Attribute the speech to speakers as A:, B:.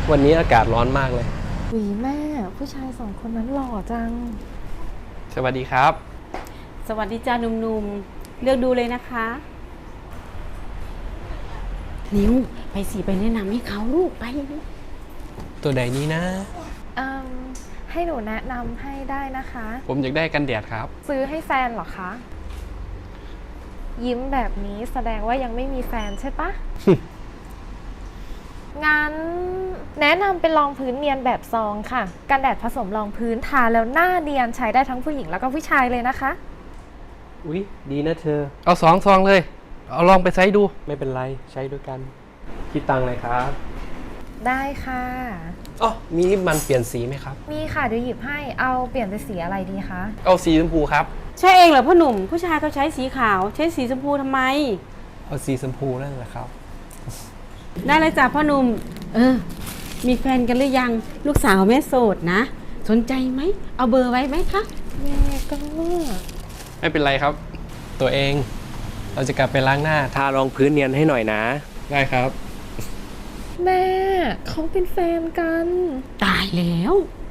A: วันนี้อากาศร้อนมากเลย
B: หวีแม่ผู้ชายสองคนนั้นหล่อจัง
A: สวัสดีครับ
C: สวัสดีจ้าหนุ่มๆเลือกดูเลยนะคะนิวไปสิไปแนะนำให้เขาลูกไป
A: ตัวใดนี้นะ
B: ให้หนูแนะนำให้ได้นะคะ
A: ผมอยากได้กันแดดครับ
B: ซื้อให้แฟนเหรอคะ ยิ้มแบบนี้แสดงว่ายังไม่มีแฟนใช่ปะ งั้นแนะนำเป็นรองพื้นเนียนแบบซองค่ะ กันแดดผสมรองพื้นทาแล้วหน้าเนียนใช้ได้ทั้งผู้หญิงแล้วก็ผู้ชายเลยนะคะ
A: อุ๊ยดีนะเธอ เอา2 ซองเลย เอาลองไปใช้ดู ไม่เป็นไรใช้ด้วยกัน คิดตังค์เลยครับ
B: ได้ค่ะ
A: อ๋อมีลิปมันเปลี่ยนสีไหมครับ
B: มีค่ะเดี๋ยวหยิบให้เอาเปลี่ยนเป็นสีอะไรดีคะ
A: เอาสีชมพูครับ
C: ใช่เองเหรอพ่อหนุ่มผู้ชายเขาใช้สีขาวใช้สีชมพูทำไม
A: เอาสีชมพูนั่นแหละครับ
C: ได้เลยจ้ะพ่อหนุ่มมีแฟนกันหรือยังลูกสาวแม่โสดนะสนใจไหมเอาเบอร์ไว้ไหมคะ
B: แม่ก็
A: ไม่เป็นไรครับ ตัวเอง เราจะกลับไปล้างหน้า ทารองพื้นเนียนให้หน่อยนะ ได้ครับ
B: แม่เขาเป็นแฟนกัน
C: ตายแล้ว